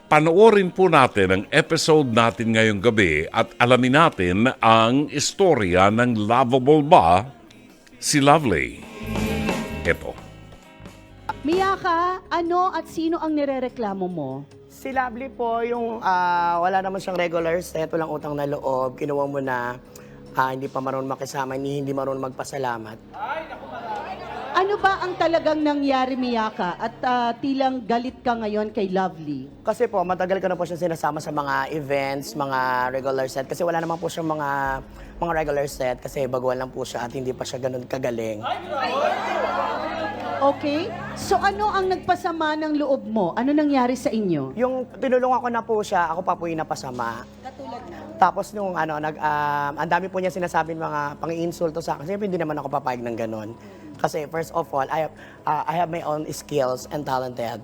Panoorin po natin ang episode natin ngayong gabi at alamin natin ang istorya ng lovable ba si Lovely. Ito. Miyaka, ano at sino ang nirereklamo mo? Si Lovely po, yung wala naman siyang regular set, walang utang na loob, kinuha mo na hindi pa marunong makisama, hindi marunong magpasalamat. Ano ba ang talagang nangyari, Miyaka? At tilang galit ka ngayon kay Lovely? Kasi po, matagal ko na po siya sinasama sa mga events, mga regular set. Kasi wala naman po siyang mga regular set kasi baguhan lang po siya at hindi pa siya ganun kagaling. Okay? So ano ang nagpasama ng loob mo? Ano nangyari sa inyo? Yung tinulungan ko na po siya, ako pa po yung napasama. Katulad na? Tapos nung ang dami po niya sinasabing mga pang-iinsulto sa akin. Siyempre hindi naman ako papayag ng ganun. Kasi first of all, I have my own skills and talented.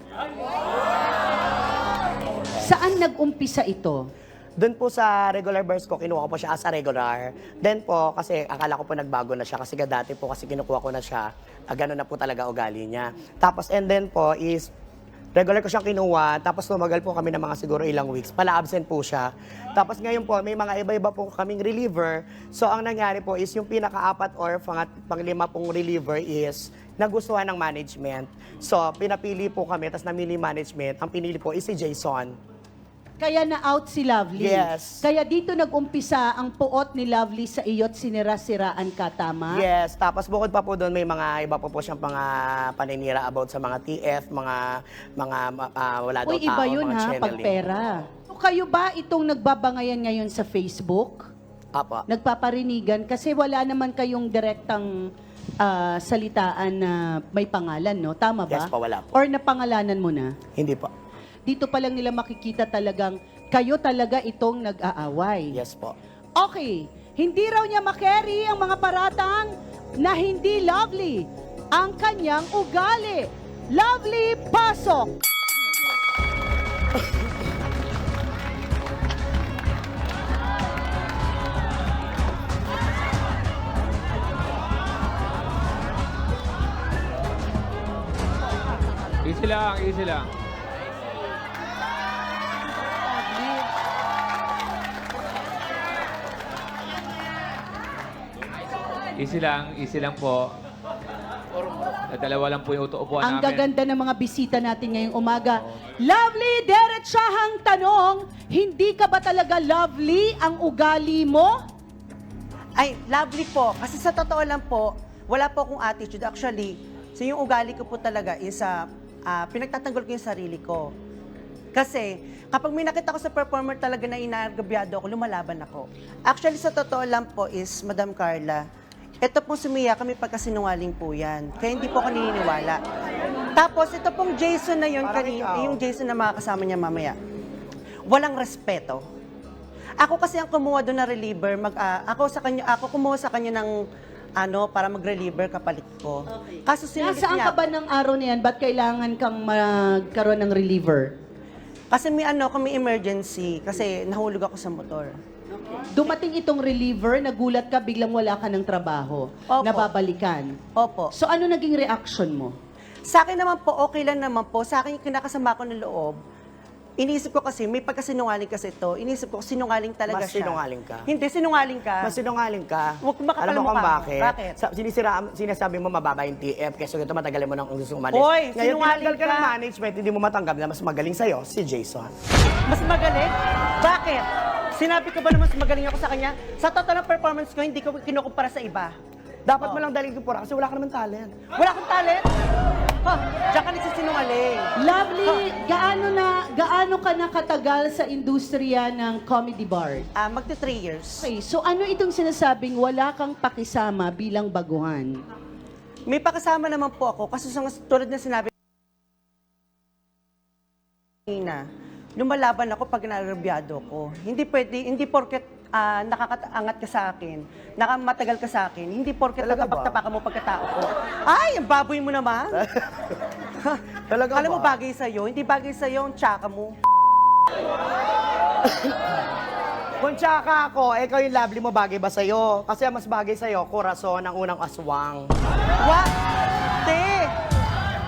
Saan nag-umpisa ito? Doon po sa regular burst ko, kinuha ko po siya as a regular. Then po, kasi akala ko po nagbago na siya. Kasi dati po, kasi kinukuha ko na siya, gano'n na po talaga ugali niya. Tapos, and then po is, regular ko siyang kinuha, tapos tumagal po kami ng mga siguro ilang weeks. Pala-absent po siya. Tapos ngayon po, may mga iba-iba po kaming reliever. So, ang nangyari po is, yung pinaka-apat or panglima pong reliever is, nagustuhan ng management. So, pinapili po kami, tapos namili management. Ang pinili po is si Jason. Kaya na-out si Lovely? Yes. Kaya dito nag-umpisa ang puot ni Lovely sa iyo't sinira-siraan ka, tama? Yes, tapos bukod pa po doon, may mga iba po siyang paninira about sa mga TF, mga wala daw Uy, iba tao, yun mga ha, channeling. pagpera. So, kayo ba itong nagbabangayan ngayon sa Facebook? Apo. Nagpaparinigan? Kasi wala naman kayong direktang salitaan na may pangalan, no? Tama ba? Yes po, wala po. Or napangalanan mo na? Hindi po. Dito pa lang nila makikita talagang kayo talaga itong nag-aaway. Yes po. Okay, hindi raw niya makerry ang mga paratang na hindi Lovely ang kanyang ugali. Lovely, pasok! Easy lang, easy lang. Easy lang po. Dalawa lang po yung upuan Ang namin. gaganda ng mga bisita natin ngayong umaga. Lovely, diretsahang tanong, hindi ka ba talaga lovely ang ugali mo? Ay, lovely po. Kasi sa totoo lang po, wala po akong attitude. Actually, so yung ugali ko po talaga is pinagtatanggol ko yung sarili ko. Kasi kapag may nakita ko sa performer talaga na inargabyado ako, lumalaban ako. Actually, sa totoo lang po is, Madam Carla, ito pong sumiya kami pagkasinungaling po yan. Kaya hindi po ako naniniwala. Tapos, ito pong Jason na yun, yung Jason na makakasama niya mamaya. Walang respeto. Ako kasi ang kumuha doon na reliever, ako kumuha sa kanya ng para mag-reliever kapalit ko. Kaso sinungaling Nasaan niya ka ba ng araw na yan? Ba't kailangan kang magkaroon ng reliever? Kasi may may emergency kasi nahulog ako sa motor. Dumating itong reliever, nagulat ka, biglang wala ka ng trabaho, Opo. nababalikan. Opo. So ano naging reaction mo? Sa akin naman po, okay lang naman po. Sa akin yung kinakasama ko ng loob, iniisip ko kasi, may pagkasinungaling kasi ito, iniisip ko sinungaling talaga Mas siya. sinungaling ka? Hindi, sinungaling ka. Mas sinungaling ka. Huwag kang makapal Alam mo mukha kung mo. bakit? Bakit? Sinasabi mo mababa yung TF, kasi ito matagal mo nang gusto umalis. Hoy, Ngayon, sinungaling tinanggal ka ka. ng management, hindi mo matanggap na mas magaling sa'yo, si Jason. Mas magaling? Bakit? Sinabi ko ba naman mas magaling ako sa kanya? Sa total ng performance ko, hindi ko kinukumpara sa iba. Dapat mo lang dalhin ko pura kasi wala ka naman talent. Wala akong talent? Diyan ka nagsisinungaling. Lovely, gaano ka nakatagal sa industriya ng comedy bar? Magto 3 years. Okay, so ano itong sinasabing wala kang pakisama bilang baguhan? May pakasama naman po ako kasi tulad na sinabi na lumalaban ako pag narabyado ko. Hindi pwede, hindi porket nakakaangat ka sa akin, matagal ka sa akin, hindi porket Talaga ba? tapak-tapakan mo pagkatao ko. Ay, ang baboy mo naman. Talaga Alam mo, ba? bagay sa'yo. Hindi bagay sa'yo ang tsaka mo. Kung tsaka ako, ikaw yung Lovely mo, bagay ba sa'yo? Kasi ang mas bagay sa'yo, Corazon, ang unang aswang. What? Te!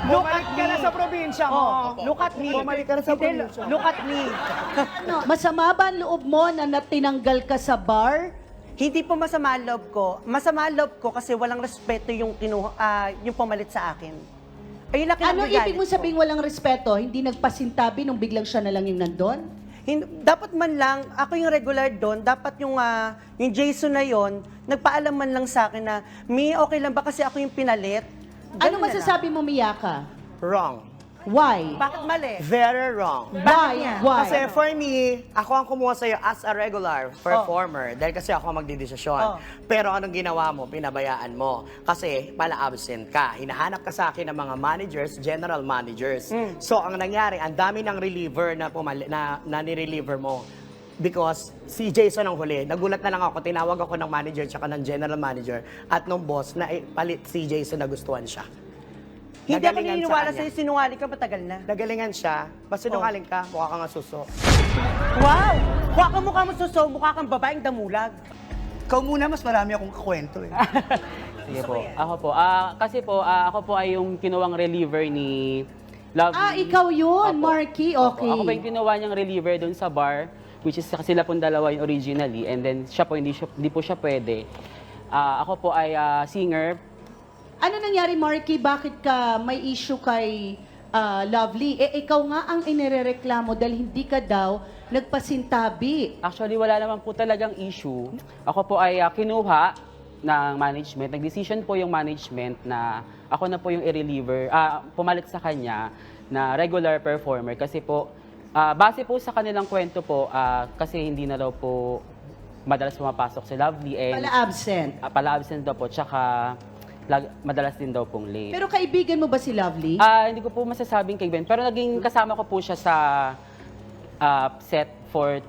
Bumalik ka na sa probinsya mo. Look at me. Bumalik ka na sa Hindi, probinsya. look at me. Ano, masama ba ang loob mo na natinanggal ka sa bar? Hindi po masama ang loob ko. Masama ang loob ko kasi walang respeto yung yung pumalit sa akin. Ayun lang Ano kinagalit ibig mo ko. sabing walang respeto? Hindi nagpasintabi nung biglang siya na lang yung nandun? Dapat man lang, ako yung regular doon, dapat yung Jason na yon nagpaalam man lang sa akin na, Mi, okay lang ba kasi ako yung pinalit? Ano Ganun na masasabi mo, Miyaka? Wrong. Why? lang. Bakit mali? Very wrong. Why? niya? Why? Kasi for me, ako ang kumuha sa'yo as a regular performer. Dahil kasi ako ang magdidesisyon. Oh. Pero anong ginawa mo? Pinabayaan mo. Kasi pala absent ka. Hinahanap ka sa akin ng mga managers, general managers. So ang nangyari, ang dami ng reliever na nireliever mo. Because si Jason ang huli. Nagulat na lang ako. Tinawag ako ng manager tsaka ng general manager at nung boss na palit si Jason na gustuhan siya. Hindi ako Nagalingan sa naniniwala kanya. sa'yo, sinungaling ka matagal na. Nagalingan siya. Basta sinungaling ka, mukha kang asuso. Wow! Mukha kang mukha mo suso, mukha kang babaeng damulag. Ikaw muna, mas marami akong kakwento eh. Sige po. Ako po. Kasi po, ako po ay yung kinuwang reliever ni Love. Ikaw yun, Opo. Marky. Opo. Okay. Ako po yung kinuha niyang reliever doon sa bar, which is sila pong dalawa yung originally, and then siya po, hindi po siya pwede. Ako po ay singer. Ano nangyari, Marky? Bakit ka may issue kay Lovely? Ikaw nga ang inirereklamo dahil hindi ka daw nagpasintabi. Actually, wala naman po talagang issue. Ako po ay kinuha ng management. Nag-decision po yung management na ako na po yung i-reliever, pumalit sa kanya na regular performer. Kasi po, base po sa kanilang kwento po, kasi hindi na daw po madalas pumapasok si Lovely. And, Pala absent. pala absent daw po, tsaka madalas din daw pong late. Pero kaibigan mo ba si Lovely? Hindi ko po masasabing kay Ben, pero naging kasama ko po siya sa set for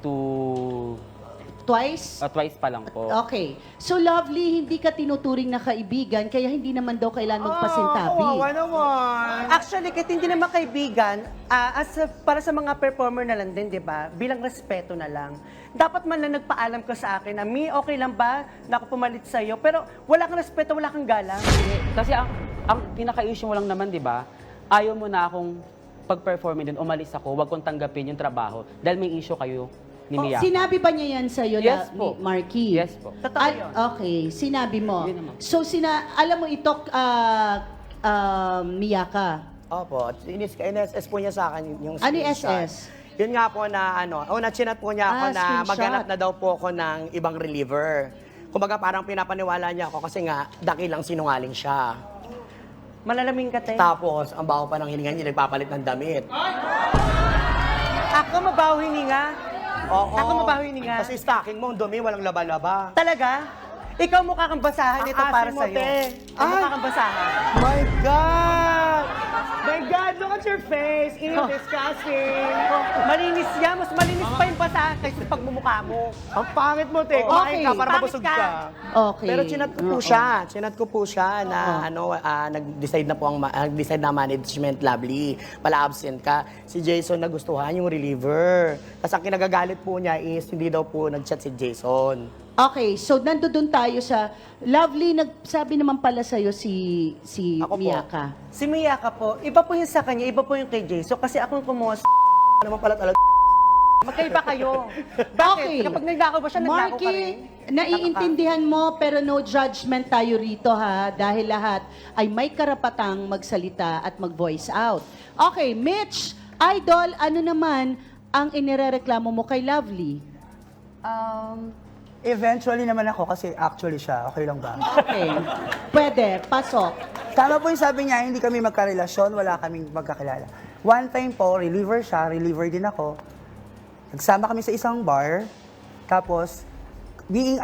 Twice? twice pa lang po. Okay. So, Lovely, hindi ka tinuturing na kaibigan, kaya hindi naman daw kailangan magpasintabi. Kawawa naman. Actually, kahit hindi naman kaibigan, para sa mga performer na lang din, di ba? Bilang respeto na lang. Dapat man lang nagpaalam ka sa akin na, Mi, okay lang ba na ako pumalit sa'yo? Pero wala kang respeto, wala kang galang. Kasi ang pinaka-issue mo lang naman, di ba? Ayaw mo na akong pag-performin din, umalis ako, wag kong tanggapin yung trabaho dahil may issue kayo ni Mia. Sinabi ba niya yan sa'yo, Yes po. Marky? Yes po. Totoo yun. Okay, sinabi mo. Yun naman. So, alam mo ito, Miyaka. Opo, in-SS po niya sa akin yung Ano yung screenshot. SS? Yun nga po na na-chinat po niya ako na Screenshot. maghanap na daw po ako ng ibang reliever. Kumbaga parang pinapaniwala niya ako kasi nga dakilang sinungaling siya. Malalaming ka, te. Tapos, ang baho pa ng hininga niya, nagpapalit ng damit. Ako mabaho hininga. Oo. Ako mabaho hininga. Kasi stocking mo, ang dumi, walang laba-laba. Talaga? Ikaw mukha kang basahan Ang ito para asim mo, sa'yo. te. Ay, mukha kang basahan. My God! My God, look at your face! Ew, disgusting! Malinis yan. Mas malinis pa yung basahan kaysa sa pagmumukha mo. Ang pangit mo, te. Kumain ka para Pangit mabusog ka. ka. Okay. Pero chinat ko po siya. Chinat ko po siya na nag-decide na po nag-decide na management, Lovely. Pala absent ka. Si Jason nagustuhan yung reliever. Tapos ang kinagagalit po niya is hindi daw po nag-chat si Jason. Okay, so nandoon tayo sa Lovely, nagsabi naman pala sa'yo si Ako po. Miyaka. Si Miyaka po, iba po yung sa kanya, iba po yung kay Jason. Kasi akong kumuha sa Ano naman pala talaga? magkaiba kayo. Bakit? Okay. Kapag nagnakaw ba siya, nagnakaw ka Marky, rin? naiintindihan mo pero no judgment tayo rito ha dahil lahat ay may karapatang magsalita at mag-voice out. Okay, Mitch, Idol, ano naman ang inirereklamo mo kay Lovely? Eventually naman ako kasi actually siya, okay lang ba? Okay, pwede, pasok. Tama po yung sabi niya, hindi kami magkarelasyon, wala kaming magkakilala. One time po, reliever siya, reliever din ako. Nagsama kami sa isang bar, tapos being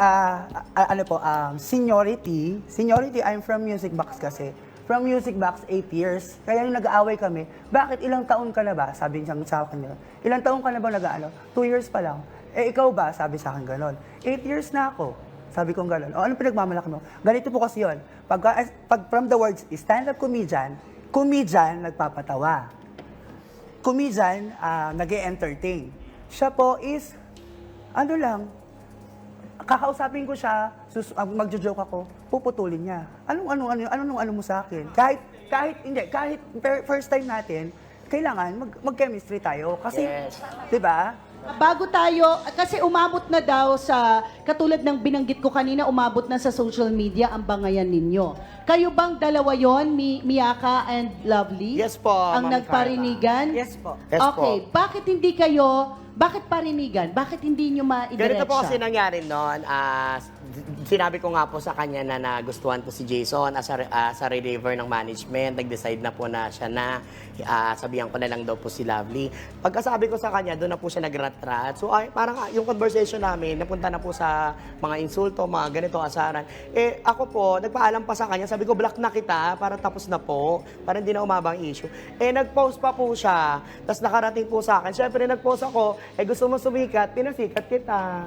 seniority, I'm from Music Box kasi. From Music Box, 8 years. Kaya nung nag-aaway kami, bakit ilang taon ka na ba? Sabi niya sa akin, ilang taon ka na ba nag-ano? 2 years pa lang. Eh, ikaw ba? Sabi sa akin ganon. 8 years na ako. Sabi kong ganon. O, ano pinagmamalaki mo? Ganito po kasi yun. Pag from the words, stand-up comedian, nagpapatawa. Comedian, nag-e-entertain. Siya po is, ano lang, kakausapin ko siya, magjo-joke ako, puputulin niya. Anong mo sa akin? Kahit kahit first time natin, kailangan mag-chemistry tayo. Kasi, Yes. di ba? Bago tayo, kasi umabot na daw sa, katulad ng binanggit ko kanina, umabot na sa social media ang bangayan ninyo. Kayo bang dalawa yon, Miyaka and Lovely? Yes po, Ang Ma'am nagparinigan? Yes po. Yes Okay, po. bakit parinigan? Bakit hindi nyo maidiretsa? Ganito po kasi nangyari noon. Sinabi ko nga po sa kanya na nagustuhan ko si Jason as a reliever ng management. Nag-decide na po na siya na sabihan ko na lang daw po si Lovely. Pagkasabi ko sa kanya, doon na po siya nagrat-rat. So parang yung conversation namin, napunta na po sa mga insulto, mga ganito, asaran. Eh ako po, nagpaalam pa sa kanya. Sabi ko, block na kita para tapos na po. Para hindi na umabang issue. Eh nag-post pa po siya. Tapos nakarating po sa akin. Siyempre nag-post ako, gusto mo sumikat, pinasikat kita.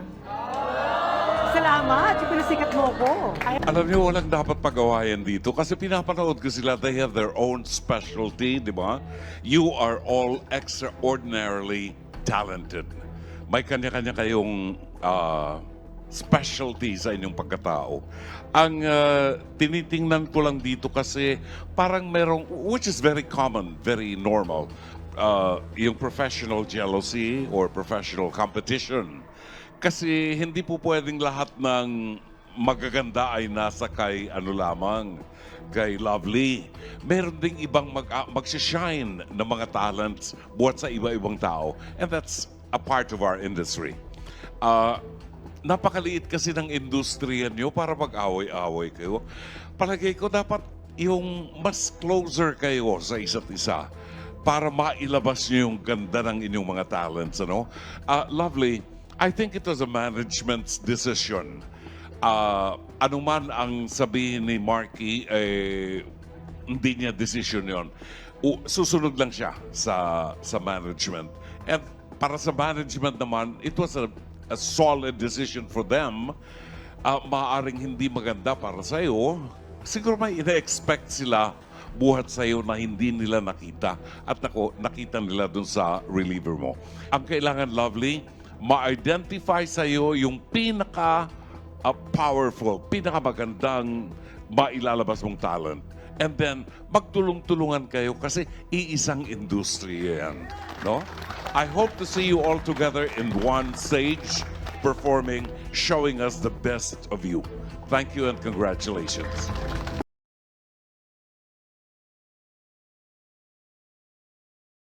Salamat, yung pinasikat mo ko. Alam niyo, walang dapat pagawayan dito kasi pinapanood ko sila, they have their own specialty, di ba? You are all extraordinarily talented. May kanya-kanya kayong specialty sa inyong pagkatao. Ang tinitingnan ko lang dito kasi parang merong, which is very common, very normal, yung professional jealousy or professional competition. Kasi hindi po pwedeng lahat ng magaganda ay nasa kay ano lamang, kay Lovely. Meron ding ibang magsishine na mga talents buhat sa iba-ibang tao. And that's a part of our industry. Napakaliit kasi ng industriya nyo para mag-away-away kayo. Palagay ko dapat yung mas closer kayo sa isa't isa para mailabas nyo yung ganda ng inyong mga talents. Ano? Lovely, I think it was a management's decision. Ano man ang sabihin ni Marky, hindi niya decision yon. Susunod lang siya sa management. And para sa management naman, it was a solid decision for them. Maaaring hindi maganda para sa'yo. Siguro may ina-expect sila buhat sa'yo na hindi nila nakita. At nakita nila dun sa reliever mo. Ang kailangan, Lovely, ma-identify sa'yo yung pinaka-powerful, pinaka-magandang mailalabas mong talent. And then, magtulong-tulungan kayo kasi iisang industriya yan. No? I hope to see you all together in one stage, performing, showing us the best of you. Thank you and congratulations.